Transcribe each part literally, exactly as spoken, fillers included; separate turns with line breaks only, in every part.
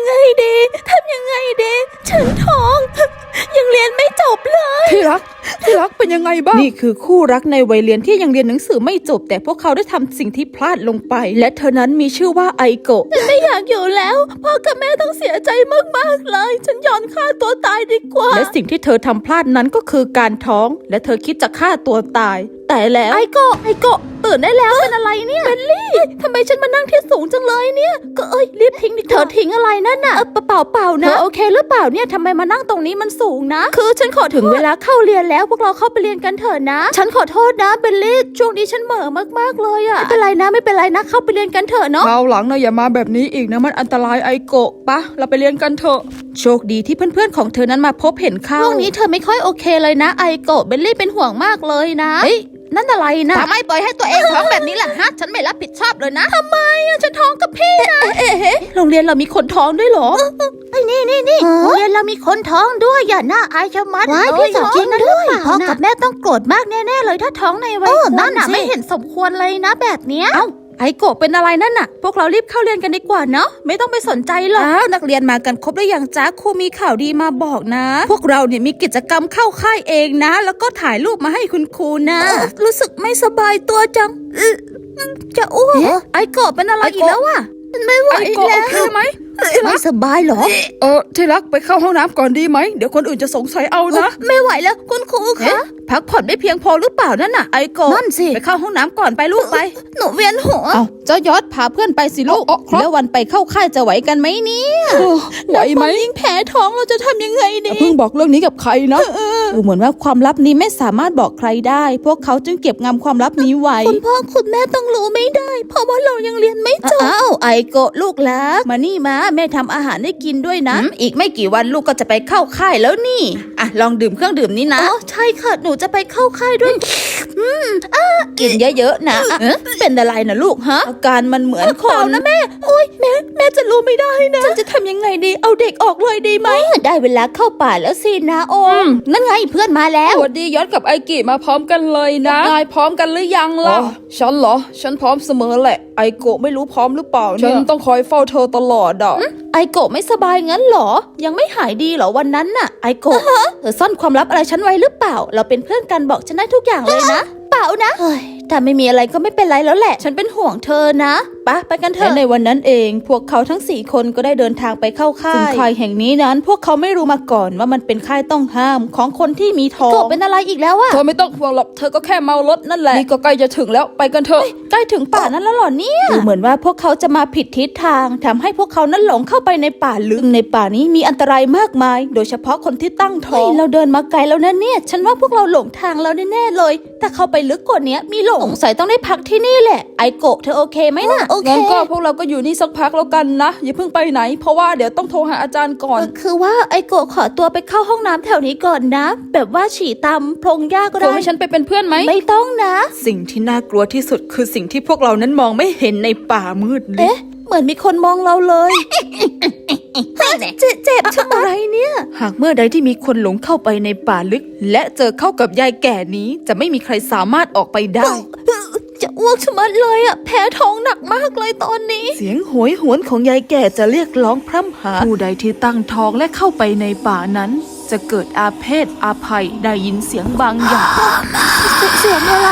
ไงดีทำยังไงดีฉันท้องยังเรียนไม่จบเลย
ที่รักที่รักเป็นยังไงบ้างนี่คือคู่รักในวัยเรียนที่ยังเรียนหนังสือไม่จบแต่พวกเขาได้ทำสิ่งที่พลาดลงไปและเธอนั้นมีชื่อว่าไอโกะ
ฉันไม่อยากอยู่แล้วพ่อกับแม่ต้องเสียใจมากๆเลยฉันยอมฆ่าตัวตายดีกว่า
และสิ่งที่เธอทำพลาดนั้นก็คือการท้องและเธอคิดจะฆ่าตัวตายแต่แล้ว
ไอโกะไอโกะตื่นได้แล้วเป็นอะไรเนี่ยเบลลี่ทำไมฉันมานั่งที่สูงจังเลยเนี่ยก็เอ้ยรีบทิ้งดิเธอทิ้งอะไรนั่นน่ะเปล่าเปล่าเปล่านะโอเคหรือเปล่าเนี่ยทำไมมานั่งตรงนี้มันสูงนะคือฉันขอถึงเวลาเข้าเรียนแล้วพวกเราเข้าไปเรียนกันเถอะนะฉันขอโทษนะเบลลี่ช่วงนี้ฉันเหม่อมากๆเลยอะไม่เป็นไรนะไม่เป็นไรนะเข้าไปเรียนกันเถอะเนาะ
คราวหลังนะอย่ามาแบบนี้อีกนะมันอันตรายไอโกะปะเราไปเรียนกันเถอะโชคดีที่เพื่อนๆของเธอนั้นมาพบเห็นเข้า
ช่วงนี้เธอไม่ค่อยโอเคเลยนะไอโกะเบลลี่เป็นห่วงมากเลยนะเฮ้ยนั่นอะไรนะทำไมปล่อยให้ตัวเองท้องแบบนี้ล่ะฮะฉันไม่รับผิดชอบเลยนะทำไมอะฉันท้องกับพี่นะเอ๊ะโรงเรียนเรามีคนท้องด้วยเหรอไอ้นี่นี่นี่โรงเรียนเรามีคนท้องด้วยอย่าหน้าอายชะมัดเลยพี่จริงด้วยพ่อกับแม่ต้องโกรธมากแน่ๆเลยถ้าท้องในวัยนั้นน่ะไม่เห็นสมควรเลยนะแบบเนี้ย
ไอโกะเป็นอะไรนั่นน่ะพวกเรารีบเข้าเรียนกันดีกว่าเนาะไม่ต้องไปสนใจหรอกนักเรียนมากันครบหรือยังจ๊ะครูมีข่าวดีมาบอกนะพวกเราเนี่ยมีกิจกรรมเข้าค่ายเองนะแล้วก็ถ่ายรูปมาให้คุณครูนะรู้สึกไม่สบายตัวจังจะอ้วกไอโกะเป็นอะไรอีกแล้วอะ
ไม่ไหวแล้ว
โอเคไหม
ไม่สบายหรอ
เออที่รักไปเข้าห้องน้ำก่อนดีไหมเดี๋ยวคนอื่นจะสงสัยเอานะ
ไม่ไหวแล้วคุณครูคะ
พักผ่อนไม่เพียงพอหรือเปล่านั่นน่ะไอโกะ
นั่นสิ
ไปเข้าห้องน้ำก่อนไปลูกไป
หนูเวียนหัว
เอาเจ้ายอดพาเพื่อนไปสิลูกแล้ววันไปเข้าค่ายจะไหวกันไหมเนี่ยไหวไหม
ยิ่งแพ้ท้องเราจะทำยังไงดี
เพิ่งบอกเรื่องนี้กับใครนะดูเหมือนว่าความลับนี้ไม่สามารถบอกใครได้พวกเขาจึงเก็บงำความลับนี้ไว้
คุณพ่อคุณแม่ต้องรู้ไม่ได้เพราะว่าเรายังเรียนไม่จบอ้าวไอโกะลูกรักมานี่มาแม่ทำอาหารให้กินด้วยนะ
อีกไม่กี่วันลูกก็จะไปเข้าค่ายแล้วนี่อ่ะลองดื่มเครื่องดื่มนี้นะ
อ๋อใช่ค่ะหนูจะไปเข้าค่ายด้วย
กินเยอะๆนะเป็นอะไรนะลูกฮะอาการมันเหมือนคน
นะแม่โอ๊ยแม่แม่จะรู้ไม่ได้นะฉันจะทำยังไงดีเอาเด็กออกเลยดีไหมได้เวลาเข้าป่าแล้วสินะโอมนั่นไงเพื่อนมาแล้ว
สวัสดียอดกับไอกิมาพร้อมกันเลยนะนายพร้อมกันหรือยังล่ะฉันเหรอฉันพร้อมเสมอแหละไอโกะไม่รู้พร้อมหรือเปล่าฉันต้องคอยเฝ้าเธอตลอดอ่ะ
ไอโกะไม่สบายงั้นเหรอยังไม่หายดีเหรอวันนั้นน่ะไอโกะเธอซ่อนความลับอะไรฉันไว้หรือเปล่าเราเป็นเพื่อนกันบอกฉันได้ทุกอย่างเลยนะเปล่านะแต่ไม่มีอะไรก็ไม่เป็นไรแล้วแหละฉันเป็นห่วงเธอนะปะไปกันเถอะ
ในวันนั้นเองพวกเขาทั้งสี่คนก็ได้เดินทางไปเข้าค่ายซึ่งค่ายแห่งนี้นั้นพวกเขาไม่รู้มาก่อนว่ามันเป็นค่ายต้องห้ามของคนที่มีท้อง
โกะเป็นอะไรอีกแล้วอะ
เธอไม่ต้องห่วงหรอกเธอก็แค่เมารถนั่นแหละนี่ก็ใกล้จะถึงแล้วไปกันเถอะ
ใกล้ถึงป่านั้นแล้วหรอเนี่ย
ดูเหมือนว่าพวกเขาจะมาผิดทิศทางทำให้พวกเขานั้นหลงเข้าไปในป่าลึกในป่านี้มีอันตรายมากมายโดยเฉพาะคนที่ตั้งท้อง
เราเดินมาไกลแล้วนะเนี่ยฉันว่าพวกเราหลงทางแล้วแน่ๆเลยแต่เข้าไปลึกกว่านี้มีหลงสงสัยต้องได้พักที่นี่แหละไอโกะเธอโอเคไหมนะ
โอเคงั้นก็พวกเราก็อยู่นี่สักพักแล้วกันนะอย่าเพิ่งไปไหนเพราะว่าเดี๋ยวต้องโทรหาอาจารย์ก่อน
คือว่าไอโกะขอตัวไปเข้าห้องน้ำแถวนี้ก่อนนะแบบว่าฉี่ตามพงหญ้าก็ได้
ให้ฉันไปเป็นเพื่อนไหม
ไม่ต้องนะ
สิ่งที่น่ากลัวที่สุดคือสิ่งที่พวกเรานั้นมองไม่เห็นในป่ามืด
เอ๊ะเหมือนมีคนมองเราเลยเจ็บเจ็บทำอะไรเนี่ย
หากเมื่อใดที่มีคนหลงเข้าไปในป่าลึกและเจอเข้ากับยายแก่นี้จะไม่มีใครสามารถออกไปได้
จะอ้วกชะมัดเลยอ่ะแพ้ท้องหนักมากเลยตอนนี้
เสียงโหยหวนของยายแก่จะเรียกร้องพร่ำหาผู้ใดที่ตั้งท้องและเข้าไปในป่านั้นจะเกิดอาเพศอาภัยได้ยินเสียงบางอย่าง
เสียงอะไร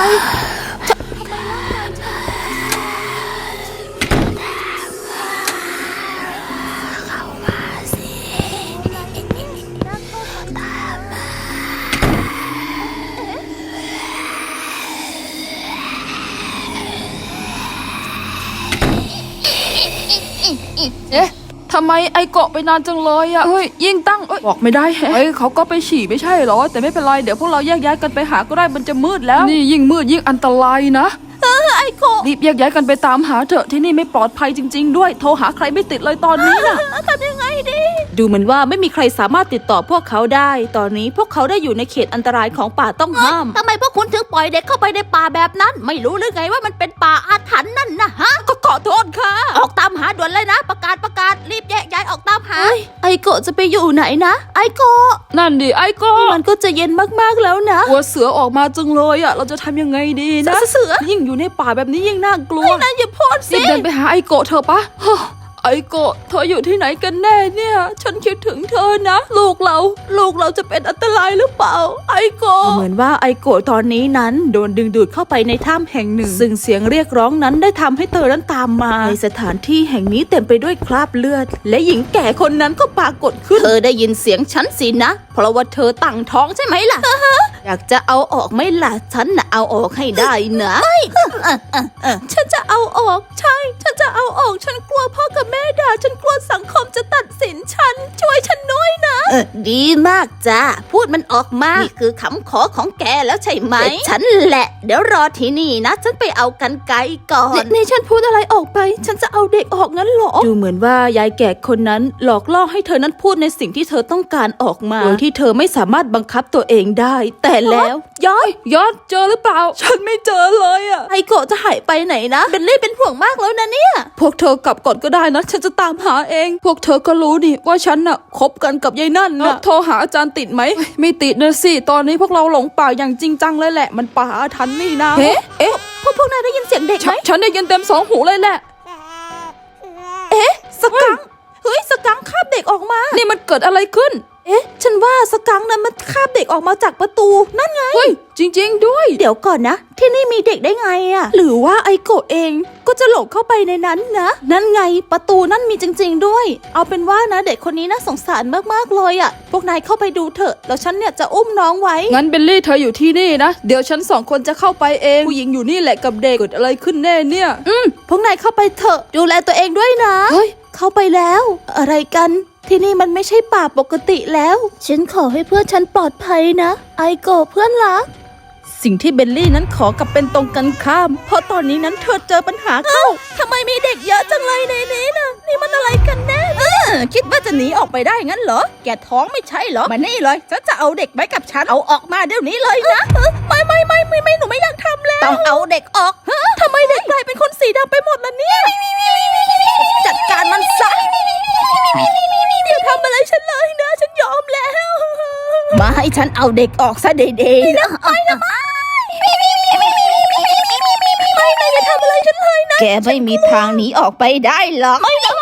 เอ๊ะทำไมไอเกาะไปนานจังเลยอะเฮ้ยยิ่งตั้งบอกไม่ได้แฮะเฮ้ยเขาก็ไปฉี่ไม่ใช่หรอแต่ไม่เป็นไรเดี๋ยวพวกเราแยกย้ายกันไปหาก็ได้มันจะมืดแล้วนี่ยิ่งมืดยิ่งอันตรายนะ
เออไอโกะ
รีบแยกย้ายกันไปตามหาเถอะที่นี่ไม่ปลอดภัยจริงๆด้วยโทรหาใครไม่ติดเลยตอนนี้น่ะ
ทำยังไงดี
ดูเหมือนว่าไม่มีใครสามารถติดต่อพวกเขาได้ตอนนี้พวกเขาได้อยู่ในเขตอันตรายของป่าต้องห้าม
ทำไมพวกคุณถึงปล่อยเด็กเข้าไปในป่าแบบนั้นไม่รู้หรือไงว่ามันเป็นป่าอาถรรพ์นั่นนะฮะ
ก็ขอโทษค่ะ
ออกตามหาด่วนเลยนะประกาศประกาศรีบแยกย้ายออกตามหาไอโกะจะไปอยู่ไหนนะไอโกะ
นั่นดิไอโกะ
มันก็จะเย็นมากๆแล้วนะ
หัวเสือออกมาจังเลยอ่ะเราจะทำยังไงดีนะ
เสือ
ยิ่งอยู่ในป่าแบบนี้ยิ่งน่ากลัว
นะอย่าพูดสิ
รีบเดินไปหาไอโกะเถอะปะไอไอโกะเธออยู่ที่ไหนกันแน่เนี่ยฉันคิดถึงเธอนะลูกเราลูกเราจะเป็นอันตรายหรือเปล่าไอโกะเหมือนว่าไอโกะตอนนี้นั้นโดนดึงดูดเข้าไปในถ้ำแห่งหนึ่งซึ่งเสียงเรียกร้องนั้นได้ทำให้เธอนั้นตามมาในสถานที่แห่งนี้เต็มไปด้วยคราบเลือดและหญิงแก่คนนั้นก็ปรากฏขึ้นเธอได้ยินเสียงฉันสินะเพราะว่าเธอตั้งท้องใช่ไหมล่ะ อยากจะเอาออกไหมล่ะฉันน่ะเอาออกให้ได้นะไม่ฉันจะเอาออกใช่ฉันจะเอาออกฉันกลัวพ่อกับแม่ด่าฉันกลัวสังคมจะตัดสินฉันช่วยฉันด้วยนะเออดีมากจ้าพูดมันออกมานี่คือคำขอของแกแล้วใช่ไหมฉันแหละเดี๋ยวรอที่นี่นะฉันไปเอากันไกรก่อนนี่ฉันพูดอะไรออกไปฉันจะเอาเด็กออกงั้นหรอดูเหมือนว่ายายแก่คนนั้นหลอกล่อให้เธอนั้นพูดในสิ่งที่เธอต้องการออกมาโดยที่เธอไม่สามารถบังคับตัวเองได้แต่แล้วยอดยอดเจอหรือเปล่าฉันไม่เจอเลยอะไอโกะจะหายไปไหนนะเบลลี่เป็นห่วงมากแล้วนะเนี่ยพวกเธอกลับก่อนก็ได้นะฉันจะตามหาเองพวกเธอก็รู้ดิว่าฉันน่ะคบกันกับยายนั่นนะโทรหาอาจารย์ติดไหมไม่ติดนะสิตอนนี้พวกเราหลงป่าอย่างจริงจังเลยแหละมันป่าอาถรรพ์นี่นะเอ๊ะเอ๊ะพวกพวกนายได้ยินเสียงเด็กไหมฉันได้ยินเต็มสองหูเลยแหละเอ๊ะสกังเฮ้ยสกังคาบเด็กออกมานี่มันเกิดอะไรขึ้นเอ๊ะฉันว่าสกังนั้นมันคาบเด็กออกมาจากประตูนั่นไงเฮ้ยจริงๆด้วยเดี๋ยวก่อนนะที่นี่มีเด็กได้ไงอะหรือว่าไอโกะเองก็จะหลงเข้าไปในนั้นนะนั่นไงประตูนั่นมีจริงๆด้วยเอาเป็นว่านะเด็กคนนี้น่าสงสารมากๆเลยอะพวกนายเข้าไปดูเถอะแล้วฉันเนี่ยจะอุ้มน้องไว้งั้นเบลลี่เธออยู่ที่นี่นะเดี๋ยวฉันสองคนจะเข้าไปเองผู้หญิงอยู่นี่แหละกับเด็กเกิดอะไรขึ้นแน่เนี่ยอืมพวกนายเข้าไปเถอะดูแลตัวเองด้วยนะเฮ้ยเข้าไปแล้วอะไรกันที่นี่มันไม่ใช่ป่าปกติแล้วฉันขอให้เพื่อนฉันปลอดภัยนะไอโกะเพื่อนรักสิ่งที่เบลลี่นั้นขอกับเป็นตรงกันข้ามเพราะตอนนี้นั้นเธอเจอปัญหาเข้าทำไมมีเด็กเยอะจังเลยในนี้นะนี่มันอะไรกันแน่เออคิดว่าจะหนีออกไปได้งั้นเหรอแกท้องไม่ใช่เหรอมานี่เลยฉันจะเอาเด็กไว้กับฉันเอาออกมาเดี๋ยวนี้เลยนะไม่ไม่ไม่ไม่ไม่หนูไม่อยากทำแล้วต้องเอาเด็กออกทำไมเด็กกลายเป็นคนสีดำไปหมดล่ะเนี่ยจัดการมันซะอย่าทำอะไรฉันเลยนะฉันยอมแล้วมาให้ฉันเอาเด็กออกซะเด็ๆนะไม่นะไม่ไม่ไม่ไม่ไม่ไม่ไม่ไม่อย่าทำอะไรฉันเลยนะแกไม่มีทางหนีออกไปได้หรอกไม่ได้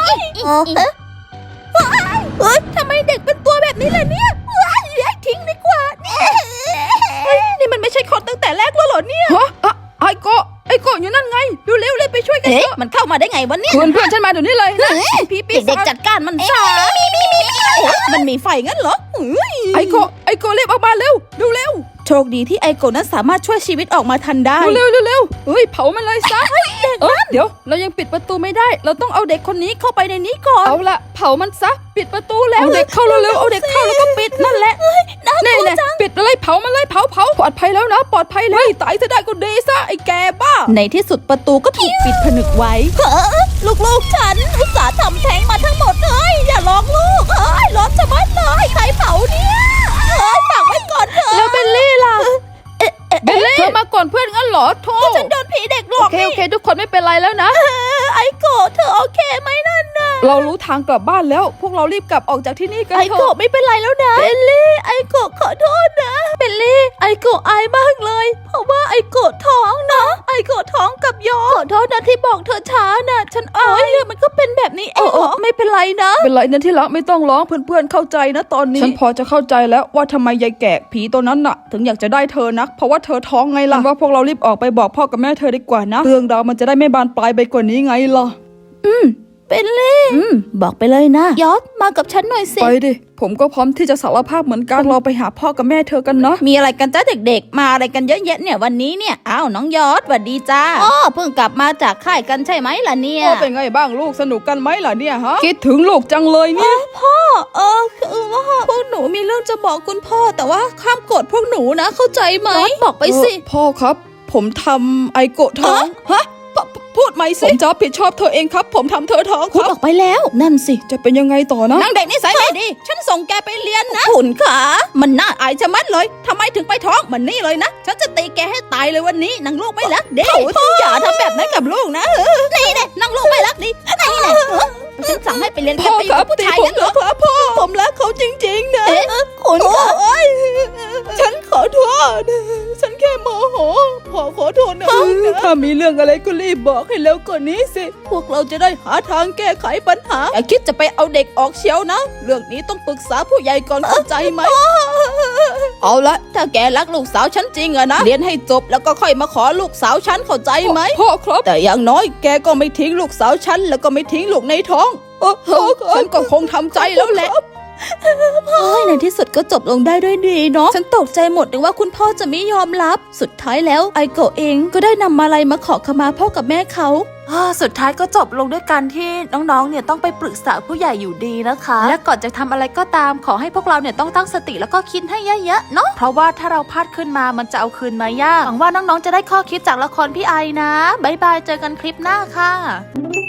เฮ้ยทำไมเด็กเป็นตัวแบบนี้ล่ะเนี่ยเลี้ยงทิ้งดีกว่าเนี่ยนี่มันไม่ใช่คนตั้งแต่แรกแล้วเหรอเนี่ยฮะไอโกะไอโกะอยู่นั่นไงเร็วๆเลยไปช่วยกันเถอะมันเข้ามาได้ไงวะเนี่ยเพื่อนเพื่อนฉันมาเดี๋ยวนี้เลยพี่ปีเด็กจัดการมันซะมันมีไฟงั้นเหรอไอโกะไอโกะรีบออกมาเร็วเร็วโชคดีที่ไอโกะนั้นสามารถช่วยชีวิตออกมาทันได้เร็วเร็วเฮ้ยเผามันเลยซะเด็กนั่นเดี๋ยวเรายังปิดประตูไม่ได้เราต้องเอาเด็กคนนี้เข้าไปในนี้ก่อนเอาละเผามันซะปิดประตูแล้วเอาเด็กเข้าเร็วๆเอาเด็กเข้าแล้วก็ปิดนั่นแหละแน่ๆปิดเลยเผามันเลยเผาเผาปลอดภัยแล้วนะปลอดภัยเลยตายจะได้ก็ดีซะไอแกบ้าในที่สุดประตูก็ถูกปิดผนึกไว้ลูกๆฉันอุตส่าห์ทำแท้งมาทั้งหมดเลยอย่าร้องลูกเอ้ยร้อนจะมัดเลยใครเผาเนี่ยเอ้ยฝากไว้ก่อนเถอะแล้วเบลลี่ล่ะเบลลี่เธอมาก่อนเพื่อนงั้นเหรอโธ่ฉันโดนผีเด็กหลอกโอเคโอเคทุกคนไม่เป็นไรแล้วนะไอโกะเธอโอเคไหมนั่นนะเรารู้ทางกลับบ้านแล้วพวกเรารีบกลับออกจากที่นี่กันเถอะไอโกะไม่เป็นไรแล้วนะเบลลี่ไอโกะขอโทษนะเบลลี่ไอโกะอายมากเลยเพราะว่าไอโกะท้องนะไอโกะท้องกับยอขอโทษนะที่บอกเธอช้านะฉันอายเรื่องมันก็เป็นแบบนี้เองไม่เป็นไรนะเป็นไรนะที่รักไม่ต้องร้องเพื่อนๆเข้าใจนะตอนนี้ฉันพอจะเข้าใจแล้วว่าทำไมยายแก่ผีตัวนั้นน่ะถึงอยากจะได้เธอนักเพราะว่าเธอท้องไงล่ะว่าพวกเรารีบออกไปบอกพ่อกับแม่เธอดีกว่านะเรื่องราวมันจะได้ไม่บานปลายไปกว่านี้ไงล่ะอืมเป็นเล่อืมบอกไปเลยนะยอดมากับฉันหน่อยสิไปดิผมก็พร้อมที่จะสารภาพเหมือนกันเราไปหาพ่อกับแม่เธอกันเนาะมีอะไรกันจ้าเด็กๆมาอะไรกันเยอะแยะเนี่ยวันนี้เนี่ยอ้าวน้องยอดสวัสดีจ้าอ๋อเพิ่งกลับมาจากค่ายกันใช่ไหมล่ะเนี่ยพ่อเป็นไงบ้างลูกสนุกกันไหมล่ะเนี่ยฮะคิดถึงลูกจังเลยเนี่ยพ่อเออคือว่าพวกหนูมีเรื่องจะบอกคุณพ่อแต่ว่าห้ามโกรธพวกหนูนะเข้าใจไหมบอกไปสิพ่อครับผมทำไอโกะท้องฮะพูดไหมสิผมจะผิดชอบเธอเองครับผมทำเธอท้องครับพูดออกไปแล้วนั่นสิจะเป็นยังไงต่อนะนางเด็กนิสัยไม่ดีฉันส่งแกไปเรียนนะคุณขามันน่าอายชะมัดเลยทำไมถึงไปท้องมันนี่เลยนะฉันจะตีแกให้ตายเลยวันนี้นางลูกไม่รักเด็กอย่าทำแบบนั้นกับลูกนะนี่แน่นางลูกไม่รักดินี่แน่ฉันสั่งให้ไปเรียนแกไปกับผู้ชายงั้นเหรอครับพ่อผมรักเขาจริงๆนะคุณขาฉันขอโทษนะฉันแค่โมโหพ่อขอโทษนะถ้ามีเรื่องอะไรก็รีบบอกให้เร็วกว่านี้สิพวกเราจะได้หาทางแก้ไขปัญหาอย่าคิดจะไปเอาเด็กออกเชียวนะเรื่องนี้ต้องปรึกษาผู้ใหญ่ก่อนเข้าใจไหมเอาละถ้าแกรักลูกสาวฉันจริงอะนะเรียนให้จบแล้วก็ค่อยมาขอลูกสาวฉันเข้าใจไหมพ่อครับแต่อย่างน้อยแกก็ไม่ทิ้งลูกสาวฉันแล้วก็ไม่ทิ้งลูกในท้องฉันก็คงทำใจแล้วแหละเฮ้ยในที่สุดก็จบลงได้ด้วยดีเนาะฉันตกใจหมดเลยว่าคุณพ่อจะไม่ยอมรับสุดท้ายแล้วไอโกะเองก็ได้นำมาลัยมาขอขมาพ่อกับแม่เขาสุดท้ายก็จบลงด้วยการที่น้องๆเนี่ยต้องไปปรึกษาผู้ใหญ่อยู่ดีนะคะและก่อนจะทำอะไรก็ตามขอให้พวกเราเนี่ยต้องตั้งสติแล้วก็คิดให้เยอะๆเนาะเพราะว่าถ้าเราพลาดขึ้นมามันจะเอาคืนมายากหวังว่าน้องๆจะได้ข้อคิดจากละครพี่ไอนะบ๊ายบายเจอกันคลิปหน้าค่ะ